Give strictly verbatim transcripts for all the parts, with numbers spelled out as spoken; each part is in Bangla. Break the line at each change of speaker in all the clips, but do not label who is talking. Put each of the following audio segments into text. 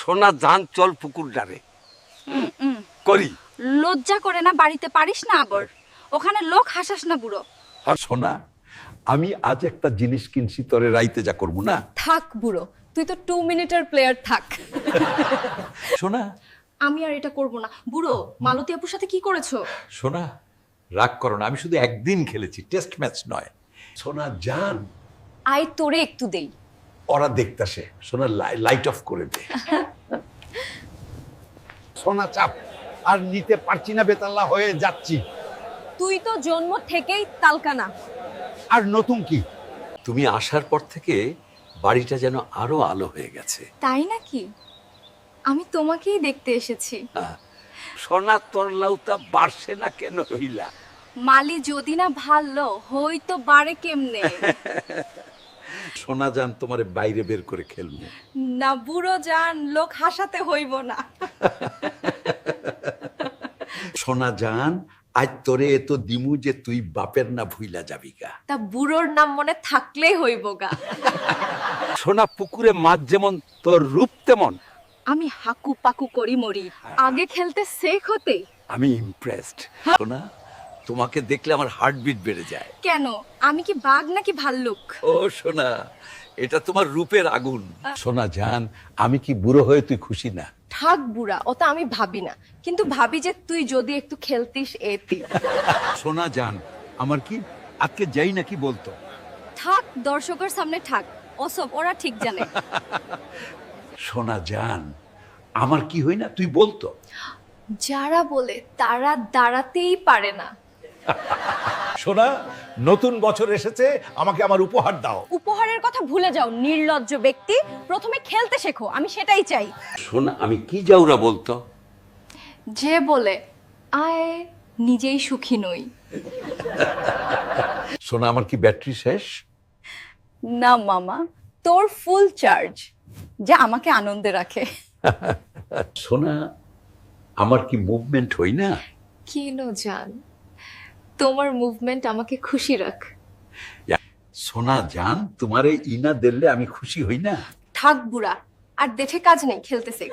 সোনা জান চল পুকুর ডারে করি।
লজ্জা করে না বাড়িতে পারিস না আবার ওখানে লোক হাসাস না বুড়ো।
আর সোনা আমি আজ একটা জিনিস কিনছি তোরে রাইতে যা করবো না।
থাক বুড়ো, তুই তো টু মিনিটের প্লেয়ার, থাক।
সোনা
আমি আর এটা করব না। বুড়ো, মালতী আপুর সাথে কি করেছো?
সোনা রাগ করো না, আমি শুধু একদিন খেলেছি, টেস্ট ম্যাচ নয়। সোনা জান
আই তোরে একটু দেই।
ওরা দেখতাছে। সোনা লাইট অফ করে দে।
সোনা চাপ আর নিতে পারছি না, বেতাল্লা হয়ে যাচ্ছি।
তুই তো জন্ম থেকেই তালকানা।
আর নতুন কি?
তুমি আসার পর থেকে বাড়িটা যেন আরো আলো হয়ে গেছে।
তাই নাকি? আমি তোমাকেই দেখতে এসেছি।
সোনা তোর লাউতা বাড়ছে না কেন হইলা?
মালি যদি না ভালো হইতো বাড়ে কেমনে?
সোনা জান তোমারে বাইরে বের করে খেলবো
না বুড়ো জান, লোক হাসাতে হইব না।
সোনা জান আজ তোরে এত দিমু যে তুই বাপের না ভুইলা যাবি গা।
তা বুড়োর নাম মনে থাকলেই হইব গা।
সোনা পুকুরে মাছ যেমন তোর রূপ তেমন।
আমি হাকু পাকু করি মরি, আগে খেলতে শেখ হতে।
আমি ইমপ্রেসড। সোনা তোমাকে দেখলে আমার হার্টবিট বেড়ে যায়।
কেন, আমি কি বাঘ নাকি ভাল্লুক?
ও সোনা, এটা তোমার রূপের আগুন। সোনা জান আমি কি বুড়ো হয়ে তুই খুশি না?
থাক বুড়া, ওটা আমি ভাবি না, কিন্তু ভাবি যে তুই যদি একটু খেলতিস এতি।
সোনা জান আমার কি আজকে যাই নাকি বলতো?
থাক, দর্শকের সামনে থাক, ওসব ওরা ঠিক জানে।
সোনা জান আমার কি হই না তুই বলতো?
যারা বলে তারা দাঁড়াতেই পারে না।
সোনা নতুন বছর এসেছে, আমাকে আমার উপহার দাও।
উপহারের কথা ভুলে যাও নির্লজ্জ ব্যক্তি, প্রথমে খেলতে শেখো, আমি সেটাই চাই।
সোনা আমি কি যাওরা বলতো?
যে বলে আয় নিজেই সুখী নই।
সোনা আমার কি ব্যাটারি শেষ?
না মামা, তোর ফুল চার্জ, যা আমাকে আনন্দে রাখে।
সোনা আমার কি মুভমেন্ট হই না?
কিনো জান, তোমার মুভমেন্ট আমাকে খুশি রাখ।
সোনা জান তোমারে ইনা দিলে আমি খুশি হই না?
থাক বুড়া, আর দেখে কাজ নেই, খেলতে শেখ।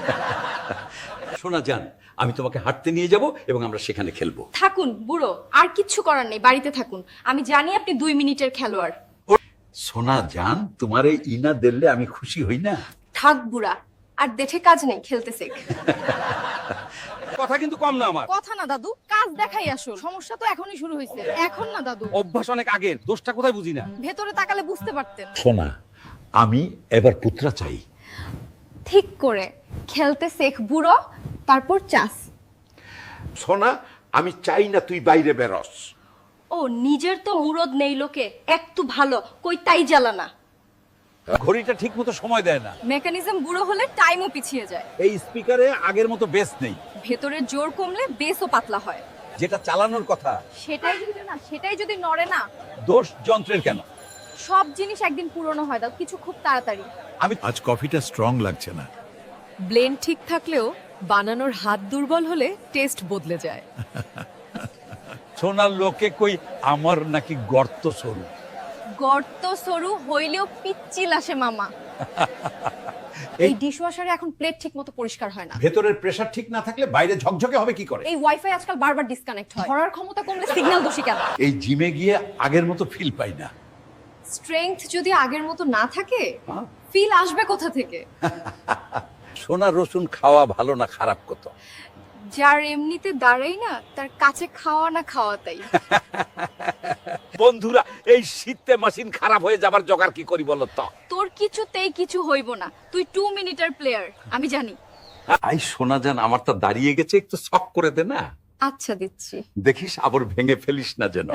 সোনা জান আমি তোমাকে হাঁটতে নিয়ে যাব এবং আমরা সেখানে খেলবো।
থাকুন বুড়ো, আর কিচ্ছু করার নেই, বাড়িতে থাকুন। আমি জানি আপনি দুই মিনিটের খেলোয়াড়।
সোনা জান তোমারে ইনা দিলে আমি খুশি হই না?
থাক বুড়া, আর দেখে কাজ নেই, খেলতে শেখ।
কথা কিন্তু কম না আমার।
কথা না দাদু, কাজ দেখাই আসো। সমস্যা তো এখনই শুরু হয়েছে। এখন না দাদু,
অভ্যাস অনেক আগের, দোষটা কোথায় বুঝি না।
ভেতরে তাকালে বুঝতে পারতেন।
সোনা আমি এবার পুত্রা চাই।
ঠিক করে খেলতে শেখ বুড়ো, তারপর চাষ।
সোনা আমি চাই না তুই বাইরে বেরোস।
ও নিজের তো মুরদ নেই লোকে, একটু ভালো কই তাই জ্বালানা।
ঘড়িটা ঠিক মতো সময় দেয় না।
মেকানিজম বুড়ো হলে টাইমও পিছিয়ে যায়।
এই স্পিকারে আগের মতো বেস নেই,
ভেতরের জোর কমলে বেসও পাতলা হয়।
যেটা চালানোর কথা।
সেটাই যদি না সেটাই যদি নড়ে না,
দোষ যন্ত্রের কেন?
সব জিনিস একদিন পুরনো হয় দাও, কিছু খুব তাড়াতাড়ি।
আমি
আজ কফিটা স্ট্রং লাগছে না।
ব্লেন্ড ঠিক থাকলেও বানানোর হাত দুর্বল হলে টেস্ট বদলে যায়।
সোনার লোকে কই আমার নাকি গর্ত সরু।
গর্ত সরু হইলেও পিচ্ছিল আসে মামা। এই ডিশওয়াশারে এখন প্লেট ঠিক মতো পরিষ্কার হয় না।
ভেতরের প্রেসার ঠিক না থাকলে বাইরে ঝকঝকে হবে কি করে?
এই ওয়াইফাই আজকাল বারবার ডিসকানেক্ট হয়। ধরার ক্ষমতা কমলে সিগন্যাল দোষী কেন?
এই জিমে গিয়ে আগের মতো ফিল পাই না।
স্ট্রেংথ যদি আগের মতো না থাকে, ফিল আসবে কোথা থেকে?
সোনা রসুন খাওয়া ভালো না খারাপ কত?
যার এমনিতে দাঁড়াই না তার কাছে খাওয়া না খাওয়া তাই।
বন্ধুরা এই শীতে মেশিন খারাপ হয়ে যাবার জোগাড় কি করি বলো তো?
তোর কিছুতেই কিছু হইব না, তুই টু মিনিটের প্লেয়ার, আমি জানি।
আই সোনা জান আমার তো দাঁড়িয়ে গেছে, একটু শক করে দে না।
আচ্ছা দিচ্ছি।
দেখিস আবার ভেঙে ফেলিস না যেন।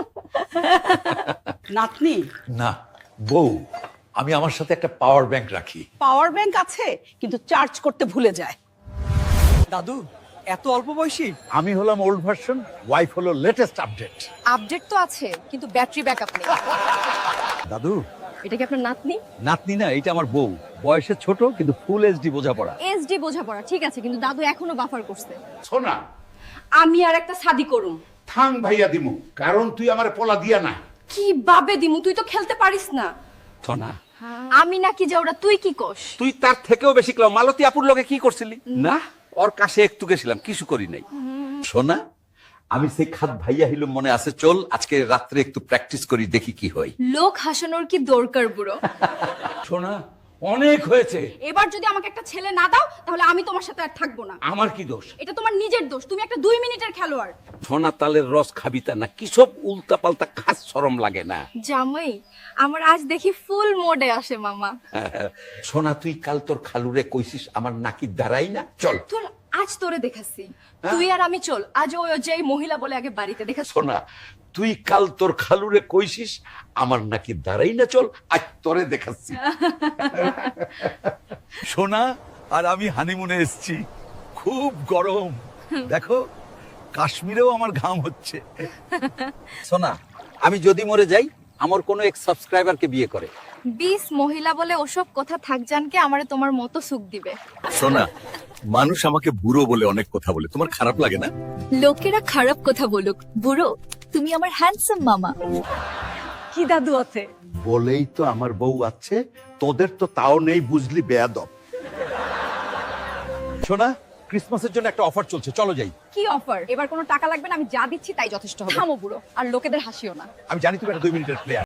নাতনি,
না বউ, আমি আমার সাথে একটা পাওয়ার ব্যাংক রাখি।
পাওয়ার ব্যাংক আছে কিন্তু চার্জ করতে ভুলে যায়।
দাদু এত অল্প বয়সী?
আমি হলাম ওল্ড ভার্সন, ওয়াইফ হলো লেটেস্ট আপডেট।
আপডেট তো আছে কিন্তু ব্যাটারি ব্যাকআপ নেই।
দাদু
এটা কি আপনার নাতনি?
নাতনি না, এটা আমার বউ। বয়সে ছোট কিন্তু ফুল এইচডি বোঝাপড়া।
এসডি বোঝাপড়া ঠিক আছে, কিন্তু দাদু এখনো বাফার করছে।
সোনা
আমি আর একটা শাদি করুম।
থাং ভাইয়া দিমু, কারণ তুই আমার পোলা দিয়া না।
কি বাবে দিমু, তুই তো খেলতে পারিস না।
সোনা
আমি নাকি যে ওরা তুই কি কোস?
তুই তার থেকেও বেশি ক্লাও মালতী আপুর লগে কি করছিলি? না, ওর কাছে একটু গেছিলাম, কিছু করি নাই। সোনা, আমি সেই খাত ভাইয়া হিলুম মনে আছে, চল আজকে রাত্রে একটু প্র্যাকটিস করি, দেখি কি হয়।
লোক হাসানোর কি দরকার বুড়ো?
সোনা, অনেক হয়েছে।
এবার যদি আমাকে একটা ছেলে না দাও তাহলে আমি তোমার সাথে আর থাকবো না।
আমার কি দোষ?
এটা তোমার নিজের দোষ, তুমি একটা দুই মিনিটের খেলোয়াড়।
সোনা তালের রস খাবি তা না, কি সব উল্টা পাল্টা খাস শরম লাগে না?
জামাই, আমার আজ দেখি ফুল মোডে আসে মামা।
সোনা, তুই কাল তোর খালুরে কইছিস আমার নাকি দাঁড়াই না, চল।
তোর আজ তোরে দেখাচ্ছি, তুই আর আমি চল। আজ ওই যেই মহিলা বলে আগে বাড়িতে দেখাচ্ছি।
সোনা, তুই কাল তোর খালুরে কইছিস আমার নাকি দাঁড়াই না, চল আজ তোরে দেখাচ্ছি।
সোনা আর আমি হানিমুনে এসেছি, খুব গরম, দেখো কাশ্মীরেও আমার ঘাম হচ্ছে।
সোনা, আমি যদি মরে যাই আমার কোনো এক সাবস্ক্রাইবারকে বিয়ে করে।
বিশ মহিলা বলে ওসব কথা থাক জানকে আমারে তোমার মতো সুখ দিবে।
সোনা, মানুষ আমাকে বুড়ো বলে অনেক কথা বলে, তোমার খারাপ লাগে না?
লোকেরা খারাপ কথা বলুক, বুড়ো তুমি আমার হ্যান্ডসাম মামা।
কি দাদু আছে?
বলেই তো আমার বউ আছে, তোদের তো তাও নেই, বুঝলি বেয়াদব।
সোনা, ক্রিসমাসের জন্য একটা অফার চলছে, চলো যাই।
কি অফার? এবার কোনো টাকা লাগবে না, আমি যা দিচ্ছি তাই যথেষ্ট হবে। থামো বুড়ো, আর লোকেদের হাসিও না।
আমি জানি তুমি একটা দুই মিনিটের প্লেয়ার।